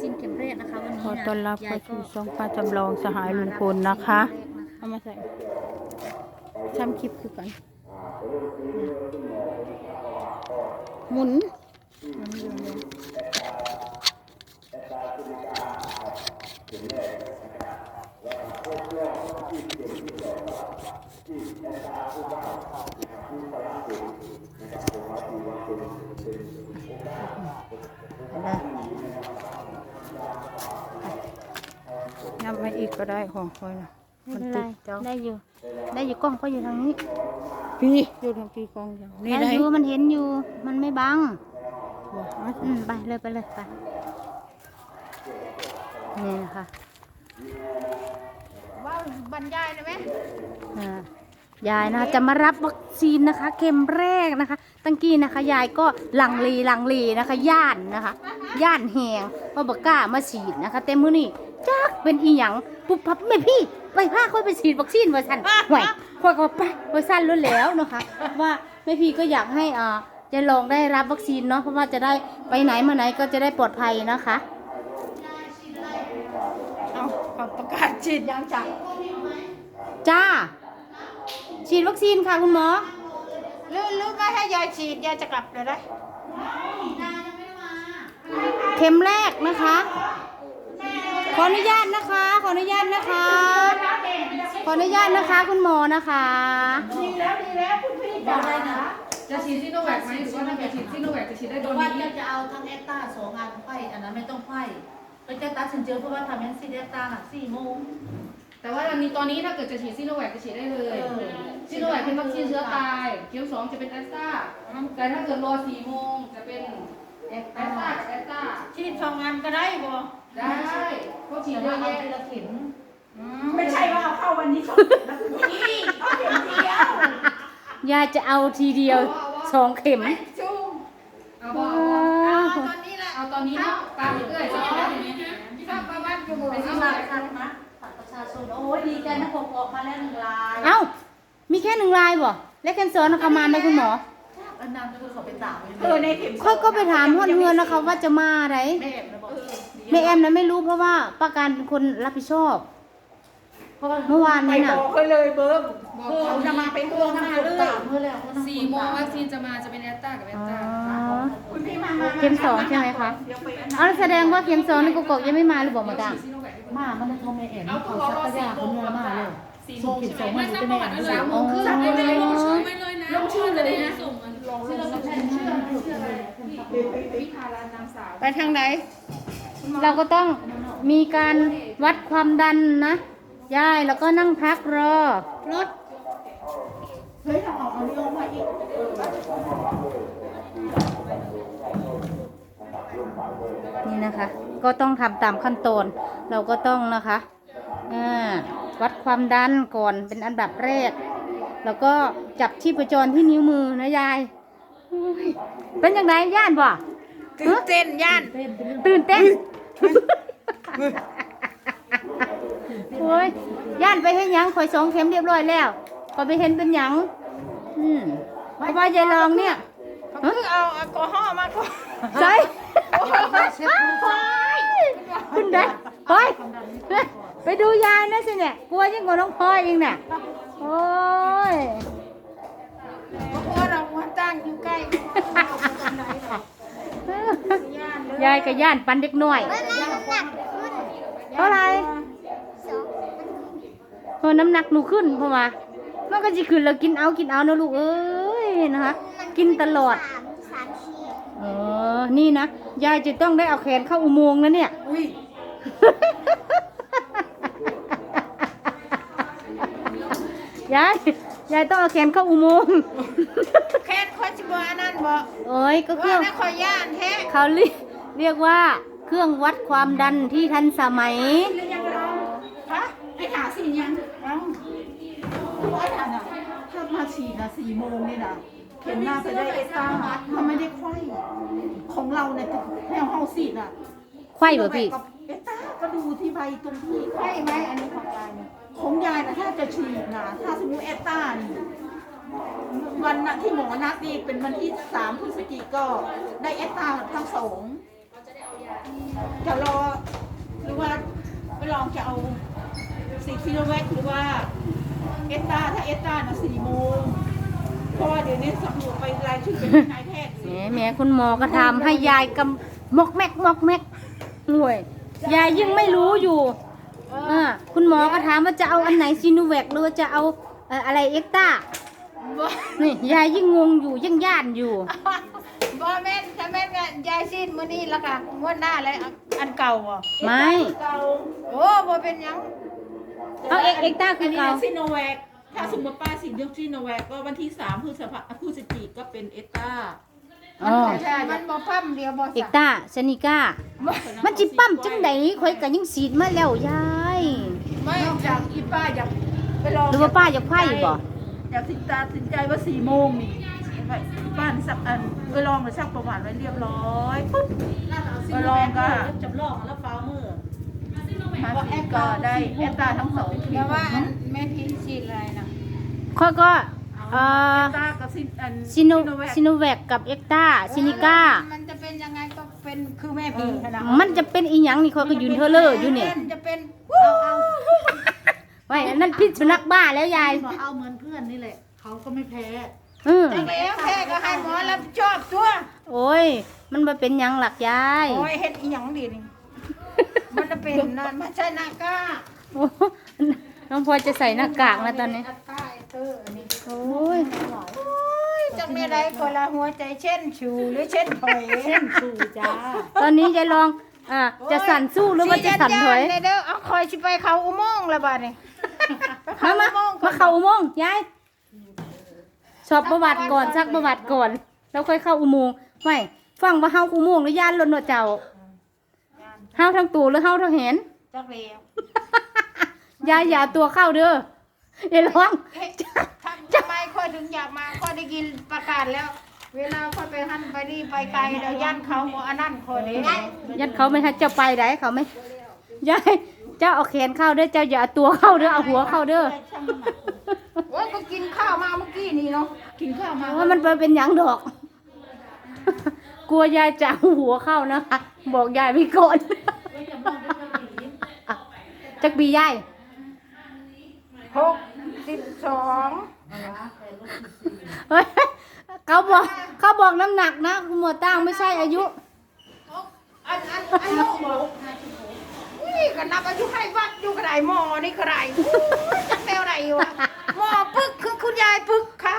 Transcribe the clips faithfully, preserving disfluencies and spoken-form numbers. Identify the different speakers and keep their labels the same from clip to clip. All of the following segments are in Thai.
Speaker 1: ซินเข็มแรกนะคะวันนี้
Speaker 2: ขอ
Speaker 1: นะ
Speaker 2: ต้อนรับ
Speaker 1: ยา
Speaker 2: เข้าย
Speaker 1: ก็
Speaker 2: สู่ช่องป้าจำลองสหายลุงพลนะคะเอามาใส่ทำคลิปคือกันหมุนนับมาอีกก็ได้ของคอยนะ
Speaker 1: ไม่เป็นไรได้อยู่ได้อยู่กล้องก็อยู่ทางนี้
Speaker 2: พี่อยู่ทางพี่กองอย่างนี่
Speaker 1: ได้
Speaker 2: ได้
Speaker 1: อยู่มันเห็นอยู่มันไม่บัง
Speaker 2: บอกมา
Speaker 1: อืมไปเลยไปเลยไปนี่นะคะ
Speaker 2: ว่าบรรยายได้ไหม
Speaker 1: อ่ายายนะคะจะมารับวัคซีนนะคะ เข็มแรกนะคะ ตั้งกี้นะคะ ยายก็ลังเลลังเลนะคะ ย่านนะคะ ย่านแหงเพราะบกล้ามาฉีดนะคะ เต็มมือนี่จักเป็นอีหยังปุ๊บพับแม่พี่ไปพาค่อยไปฉีดวัคซีนว่าสันห่วยค่อยก็ไปว่าสั้นรู้แล้วนะคะ ว่าแม่พี่ก็อยากให้อ่าจะลองได้รับวัคซีนเนาะเพราะว่าจะได้ไปไหนมาไหนก็จะได้ปลอดภัยนะคะ
Speaker 2: เอาเขาประกาศฉีดยังจัง
Speaker 1: จ้าฉีดวัคซีนค่ะคุณหมอ
Speaker 2: หรือหรือไม่ให้ยายฉีดยายจะกลับเลยได้
Speaker 1: เข็มแรกนะคะ ขออนุญาตนะคะ ขออนุญาตนะคะ ขออนุญาตนะคะ คุณหมอนะคะ
Speaker 2: ดีแล้วดีแล้วคุณพี่จ๋า
Speaker 3: จะฉีดซิโนแวคไหมหรือว่าถ้าเกิดฉีดซิโนแวคจะฉีดได้โด
Speaker 4: แต่
Speaker 3: น
Speaker 4: ว่า
Speaker 3: นี้
Speaker 4: จะจะเอาทั้งแอตตาสองอันไฟอันนั้นไม่ต้องไฟก็จะตัดสินเจอเพราะว่าทำแอนซีแอตตาหนักสี่โมง
Speaker 3: แต่ว่าอันนี้ตอนนี้ถ้าเกิดจะฉีดซิโนแวคจะฉีดได้เลย
Speaker 4: เออ
Speaker 3: ซิโนแวคเป็นวัคซีนเชื้อตายเข็มสองจะเป็นแอสตราแต่ถ้าเกิดรอสี่โมงจะเป็นแอสตรากับแอสตรา
Speaker 2: ฉีดสองอันก็ได้บ่
Speaker 3: ได้เขาฉีด
Speaker 4: แต่
Speaker 3: เย
Speaker 4: ว่า
Speaker 3: อะ
Speaker 4: เอา
Speaker 3: แยะ
Speaker 4: ทีละเข็ม
Speaker 2: ไม่ใช่ว่าเอาเข้าวันนี้สองนะคุณพี่เอาเข็มเดียวย
Speaker 1: ายจะเอาทีเดียวสองเข็ม
Speaker 2: จุ้ม
Speaker 3: เอาบ่เอาบ่
Speaker 2: ตอนนี้แหละ
Speaker 3: เอาตอนนี้เนาะตามเรื่อยๆใช่ไหม
Speaker 2: ข้าวบ้านอยู่บ่
Speaker 4: ไปซื้อมาคันนะบัตรประชาชนโอ้ยดีใจนะผมออกมาแล้วหนึ่งลาย
Speaker 1: เอ้า มีแค่หนึ่งลายบ่และแคนเซิลนะคะมาไหมคุณหมอ
Speaker 4: อันนั้นคือเขาไปตาก
Speaker 2: เออในเข็ม
Speaker 1: ค่อยก็ไปถามฮอดเฮือนนะคะ ว่าจะมาไหน
Speaker 4: แม่นะบอก
Speaker 1: แม่แอมนะไม่รู้เพราะว่าป้าการเป็นคนรับผิดชอบ
Speaker 4: เพราะว่า
Speaker 1: เมื่อวาน
Speaker 2: ไป
Speaker 1: นี้
Speaker 2: บ
Speaker 1: น่ะ
Speaker 2: อกเขาเลยเบิ้ม
Speaker 3: บอก
Speaker 2: เขา
Speaker 3: เขา
Speaker 2: จะมาเป็นเพื่อนหน้าเลย
Speaker 4: ตากเมื่อแล้ว
Speaker 3: สี่โมงวัคซีนจะมาจะเป็นแอสตรากับแอ
Speaker 1: อ๋
Speaker 3: ส
Speaker 1: อ
Speaker 3: ตรา
Speaker 2: คุณพี่มามา
Speaker 1: เข็มสองใช่ไหมคะ
Speaker 2: เดี๋ยวไปอัน
Speaker 1: เอาแล้วแสดงว่าเข็มสองนี่กุกกอกยังไม่มาหรือบอกมาดัง
Speaker 3: ฉีดซิโนแวค
Speaker 4: มามันจะโทรแม่แอนเขาชักกระยาคนเงินมาเลย
Speaker 3: สี่
Speaker 4: ส่
Speaker 3: โม
Speaker 4: ง
Speaker 3: ง
Speaker 4: เข็ม
Speaker 3: ใช่
Speaker 4: ส
Speaker 3: ไห
Speaker 4: อ
Speaker 3: ม
Speaker 4: งมา
Speaker 3: ไม่
Speaker 4: ดู
Speaker 3: นับ
Speaker 4: เป็น
Speaker 3: ประ
Speaker 4: แม่
Speaker 3: วัติด้วยเลยสามโมงครึ่งไม่ไม่ลงชื่อไม่เลยนะ
Speaker 2: ลงชื่อเลยนะ
Speaker 3: ส่งมัน
Speaker 4: ชื่อเราแทนชื่อชื่ออะไร
Speaker 3: วิภาลานางสาว
Speaker 2: ไปทางไหน
Speaker 1: เราก็ต้องมีการวัดความดันนะยายแล้วก็นั่งพักรอรถ
Speaker 2: เฮ้ยเราออกเอาเรื่องมาอีก
Speaker 1: นี่นะคะ ก็ต้องทำตามขั้นตอนเราก็ต้องนะคะอ่าวัดความดันก่อนเป็นอันดับแรก แล้วก็จับชีพจรที่นิ้วมือนะยายโอ้ยเป็นยังไงย่านบ่
Speaker 2: ตื่นเต้นย่าน
Speaker 1: ตื่นเต้นโอ้ยย่านไปเห็นยังข่อยสองเข็มเรียบร้อยแล้วข่อยไปเห็นเป็นหยังอืมเพราะว่ายายลองเนี่ย
Speaker 2: คือเอาแอลกอฮอล์มาก่อน
Speaker 1: ใช่คุณได้เฮ้ยไปดูยายนะสิเนี่ยกลัวยิ่งกว่าน้องพลอยอีกเนี่ยโอ้ย
Speaker 2: เพราะว่าเราว่าตั้งอยู่ใกล้ย่านเลย
Speaker 1: ยายกับย่านปันเด็กหน่อยเท่าไหรเออน้ำหนักหนูขึ้นเพราะว่ามันก็จะขึ้นแล้วกินเอากินเอานะลูกเอ้ยนะคะกินตลอดเออนี่นะยายจะต้องได้เอาแขนเข้าอุโมงค์นะเนี่ย
Speaker 2: อุ้ย
Speaker 1: ยายยายต้องเอาแขนเข้าอุโมงค์
Speaker 2: แค่คอยจิบอันนั้นบ่
Speaker 1: โอ้ยก็เค
Speaker 2: ว่า
Speaker 1: รื่อง
Speaker 2: นักคอยย่านแท้
Speaker 1: เขาเรียกเรียกว่าเครื่องวัดความดันที่ทันสมัย
Speaker 2: หรือยังเราฮะไอ้หาสี่ยังเอ้าไอ้หาน่ะถ้ามาฉีดนะสี่โมงนี่นะเข็มหน้าจะได้เอสตาถ้าไม่ได้ไข้ของเราเนี่ยแนวเฮาสีดอ่ะ
Speaker 1: ไข้บ่พี่
Speaker 2: เอสตาก็ดูที่ใบตรงที่ไข้ไหมอันนี้ของยายเนี่ยของยายนะถ้าจะฉีดนะถ้าสมมติเอสตานี่วันน่ะที่หมอนัดนี่เป็นวันที่สามพฤศจิกก็ได้เอสตาทั้งสองจะรอจะเอาซีซีโนแวคหรือว่าเอสตาถ้าเอสตาน่ะสี่โมงเพราะว่าเดี๋ยวนี้สำรวจไปรายชื่อเป็นนายแพทย์
Speaker 1: แหมแหมคุณหมอก็ทำให้ยายกำมอกแมกมอกแมกห่วยยายยังไม่รู้อยู่อ่าคุณหมอก็ถามว่าจะเอาอันไหนซีโนแวคหรือว่าจะเอาเอ่ออะไรเอ็กต้านี่ยายยิ่งงงอยู่ยิ่งย่านอยู่
Speaker 5: บ่แม่นถ้าแม่นก็ยายสิ้นมื้อนี้แล้วก็งวดหน้าแล้วอันเก่าบ่
Speaker 1: ไม่
Speaker 2: เก่า
Speaker 5: โอ้บ่เป็นหยัง
Speaker 1: เอาเอ็กเอ็กต้าคื
Speaker 2: อั
Speaker 1: อน
Speaker 2: นี้
Speaker 1: เก่า
Speaker 2: ซีโนแวคถ้าสมมติป้าสินยกซีโนแวคก็วันที่สามพฤษภาพฤศจิกก็เป็นเอสตา
Speaker 1: อ๋อ
Speaker 5: ใช่มันบ่ปั๊มเดียวบ่
Speaker 1: เอ็ก
Speaker 5: ซะ
Speaker 1: ต้าซานิก้ามันจิปั๊มจังไดข่อยก็ยังสีดมาแล้วยาย
Speaker 2: ไม่
Speaker 5: ไม่
Speaker 2: นอกจากอีป้าอยากไปลอง
Speaker 1: หรือว่าป้าอยากไพ่บ่
Speaker 2: อยากสินตาสินใจว่าสี่โมงนี่บ้านสักอันไปลองมาชักประวัติไว้เรียบร้อยปุ๊บ
Speaker 4: ไปลองก็จำลองแล้วฟ้ามือ
Speaker 2: มาสิก็ได้เอสตาทั้งสองที
Speaker 5: แต่ว่าอันแม่พี่สิ้นอะไรนะ
Speaker 1: ข้อยก็เอ่อ
Speaker 2: เอสตากับซินอัน
Speaker 1: ซิโน
Speaker 2: แวค
Speaker 1: ซิโนแวคกับเอ็กต้าซินิก้า
Speaker 5: มันจะเป็นยังไงก็เป็นคือแม่พี่ขนาด
Speaker 1: มันจะเป็นอีหยังนี่ข้อยก็ยืนเทอเลอร์อยู่เนี่ย
Speaker 5: จะเป็น
Speaker 4: เอาเอา
Speaker 1: ไว้อันนั้นพิษสุนัขบ้าแล้วยาย
Speaker 4: บอกเอาเหมือนเพื่อนนี่แหละเขาก็ไม่แพ้
Speaker 1: อือ
Speaker 5: จังแล้วแท้ก็ให้หมอรับผิดชอบตัว
Speaker 1: โอ้ย มันมาเป็นหยังหลักยาย
Speaker 5: โอ้ยเฮ็ดอีหยังดีนี่มันจะเป็นนั่นมันใช่หน้ากาก
Speaker 1: โอ้น้องพลอยจะใส่หน้ากากนะตอนนี้
Speaker 5: อัตตาไอ้เตอร์อันนี้
Speaker 1: โอ้ย
Speaker 5: โอ้ยจังมีอะไรก็ละหัวใจเช่นชูหรือเช่นถอย
Speaker 4: เช่นสู่จ้า
Speaker 1: ตอนนี้ยายลองอ่าจะสั่นสู้หรือว่าจะสั่นถอย
Speaker 5: สิเด้อเอาคอยสิไปเขาอุโมงค์ละบาดนี่
Speaker 1: มามามาเข้าอุโมงค์ยายสอบประวัติก่อนซักประวัติก่อน แล้วค่อยเข้าอุโมงค์ไม่ฟังว่าเฮาอุโมงค์หรือย่านลนหนวดเจ้าเฮาทั้งตูหรือเฮาทั้งเห็น
Speaker 5: จักแล้ว
Speaker 1: ยายอย่าเอาตัวเข้าเด้ออย่าร้อง
Speaker 5: เฮ้ยทำไมค่อยถึงอยากมาค่อยได้กินประกาศแล้ว เวลาค่อยไปหั่นไปนี่ไปไกลแล้วย่านเขาบ่อันนั้นค่อยเด้
Speaker 1: ยัดเขาไม่ให้เจ้าไปได้เขาไม่ยายเจ้าเอาแขนเข้าเด้อเจ้าอย่าเอาตัวเข้าเด้อเอาหัวเข้าเด้อ
Speaker 5: โอ้ยก็กินข้าวมาเมื่อกี้นี่เนาะ
Speaker 2: กินข้าวมา
Speaker 1: ว่ามันเป็นหยังดอก กลัวยายจะเอาหัวเข้านะคะบอกยายไปก่อนจักปียาย
Speaker 5: หกสิบสอง
Speaker 1: เฮ้ยเขาบอกเขาบอกน้ำหนักนะคุณหมวดตั้งไม่ใช่อายุ
Speaker 5: อันอันอันลูกบอกนี่ก็นับอายุให้วัดอยู่กระไดหมอนี่กระไดจักแนวไหนวะหมอปึกคือคุณยายปึกค่ะ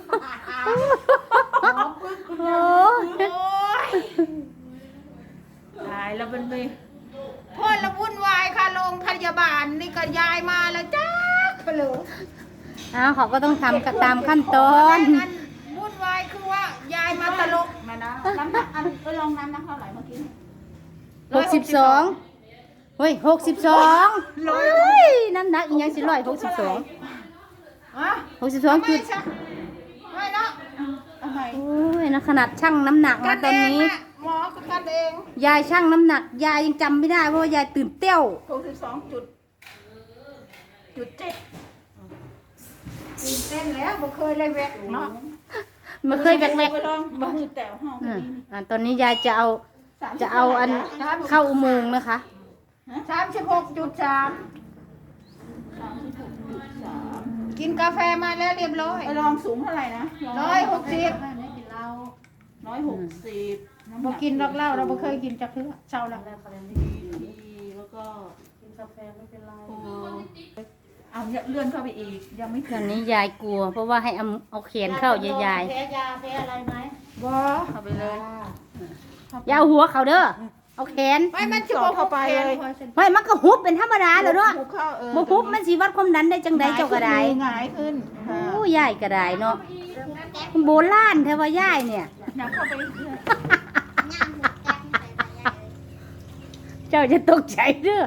Speaker 1: โอ้
Speaker 5: โอ้ย
Speaker 2: ตายแล้วมันไป
Speaker 5: พ่อละวุ่นวายค่ะโรงพยาบาลนี่ก็ยายมาแล้วจ้าไปเลย
Speaker 1: อ้าวเขาก็ต้องทำกันตามขั้นตอน
Speaker 5: อันวุ่นวายคือว่ายายมาตลก
Speaker 2: มานะน้ำหนักอันไปลองน้ำหนักเท่าไหร่เมื่อกี้
Speaker 1: หกสิบสองเฮ้ยหกสิบสองเฮ้ยน้ำหนักอีกยังสิร้อยหกสิบสอง
Speaker 5: ฮะ
Speaker 1: หกสิบสองจุด
Speaker 5: ไม่ใช่ไม่เนาะ
Speaker 2: เอาใหม่
Speaker 1: โอ้ยนะขนาดช่างน้ำหนัก
Speaker 5: กั
Speaker 1: นะ
Speaker 5: น
Speaker 1: ตอ
Speaker 5: เอน ง
Speaker 1: นี้
Speaker 5: แม่หมอก็กันเอง
Speaker 1: ยายช่างน้ำหนัก ยายยังจำไม่ได้เพราะว่ายายตื่นเต้ว
Speaker 2: หกสิบสองจุดจุดเจ็ด
Speaker 5: ตื่นเต้นแล้วบ่เคยเลยแวะเนาะ
Speaker 1: มันเคยแบก
Speaker 2: ไปลองมาหือแต่ห้อง
Speaker 1: ๆ
Speaker 2: นี้
Speaker 1: อ่ะอ่ะตอนนี้ยายจะเอา
Speaker 2: สมสิบ
Speaker 1: จะเอาอัน
Speaker 2: ท่ไหร่ะ
Speaker 1: เข้าอุโมงค์นะคะ
Speaker 5: สามสิบหกจุดสาม
Speaker 2: สามสิบหกจุดสาม
Speaker 5: กินกาแฟมาแล้วเรียบร้อย
Speaker 2: ไปลองสูงเท่าไหร่นะ
Speaker 5: ร้อยหกสิบ
Speaker 4: ไม่กินเหล้า
Speaker 2: ร้อยหกสิบน้ำห
Speaker 5: บ่
Speaker 2: นั
Speaker 5: กินดอกเหล้าเราบ่เคยกินจักเทื่อเช้าแล้ว
Speaker 4: แล้วก็เลย
Speaker 2: ทีแล้วก็
Speaker 4: กินกาแฟไม่เป็นไร
Speaker 2: โอ้เอาเลื่อนเข้าไปอีก ยังไม่
Speaker 1: ต
Speaker 2: ถึ
Speaker 1: อง นนี้ยายกลัว เพราะว่าให้เอาเอาแขนเข้ายายยาย
Speaker 4: แพ้ยาแพ้อะไรไหม
Speaker 5: บ่
Speaker 2: เข้าไปเลย
Speaker 1: อย่าเอาหัวเขาเด้อเอาแขน
Speaker 5: ไม่มันสิบ่เข้าไปเลย
Speaker 1: ไม่มันก็ฮุบเป็นธรรมดาแล้วเนาะ
Speaker 2: หุบเข้าเออ
Speaker 1: บ่ฮุบมันสิวัดความดันได้จังใดเจ้าก็ได้
Speaker 2: หงายขึ้นค่ะ
Speaker 1: โอ้ยายก็ได้เนาะโบราณแท้ว่ายายเนี่ย
Speaker 2: อยากเข้าไปเรื่อย
Speaker 1: เจ้าจะตกใจเด้อ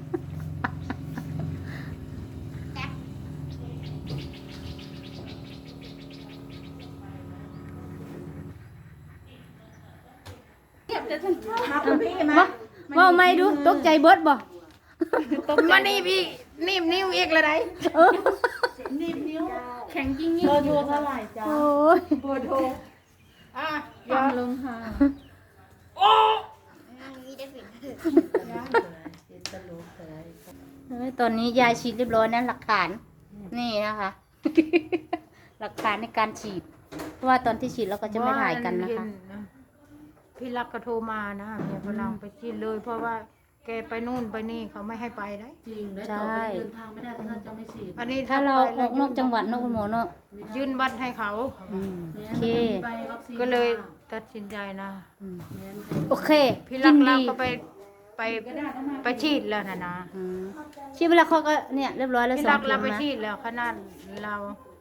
Speaker 2: มาคุณพี่มา
Speaker 1: ว่าว่าไม่ดูตกใจเบิดบ่
Speaker 5: มานี่พี่นิ่มนิ้วอีกละได
Speaker 1: เออ
Speaker 2: นิดนิ้วแข็งจริง
Speaker 4: เบอร์โทรเท่าไหร่จ้า
Speaker 1: โอ้ย
Speaker 2: ปวดโท
Speaker 5: อ่ะ
Speaker 2: ฟังลงค่ะ
Speaker 4: ตลกเลย
Speaker 1: เอ้ยตอนนี้ยายฉีดเรียบร้อยนะหลักฐาน นี่นะคะ หลักฐานในการฉีด เพราะว่าตอนที่ฉีดเราก็จะไม่ถ่ายกันนะคะ
Speaker 5: พี่รักก็โทรมานะเมียฝรั่งไปฉีดเลย เพราะว่าแกไปนู่นไปนี่เขาไม่ให้ไปได้
Speaker 4: จริงแล้วต่อไปเดินทางไม่ได้ถ้าจะไม่ฉีด
Speaker 5: อันนี้
Speaker 1: ถ้าเรา
Speaker 5: ไป
Speaker 1: ออกนอกจังหวัดนอกคุณหมอเนาะ
Speaker 5: ยื่นบัตรให้เขา
Speaker 1: อืมโอเค
Speaker 5: ก็เลยตัดสินใจนะ
Speaker 1: อืมโอเค
Speaker 5: พี่
Speaker 1: ยิ
Speaker 5: รัก
Speaker 1: น
Speaker 5: เรา
Speaker 1: ดี
Speaker 5: ก็ไปไปไปฉีดแล้วนะนะ
Speaker 1: อืมฉีดไปแล้วเขาก็เนี่ยเรียบร้อยแล้ว
Speaker 5: พี่
Speaker 1: สอ
Speaker 5: รั
Speaker 1: ง
Speaker 5: ก
Speaker 1: เข็
Speaker 5: เรา
Speaker 1: ม
Speaker 5: ไป
Speaker 1: นะ
Speaker 5: ฉีดแล้วขนาดเรา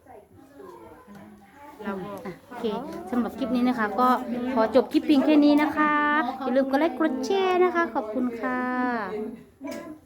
Speaker 5: เราบอก
Speaker 1: อ่ะโอเคสำหรับคลิปนี้นะคะ ก็ขอจบคลิปเพียงแค่นี้นะคะ อย่าลืมกดไลค์กดแชร์นะคะ ขอบคุณค่ะ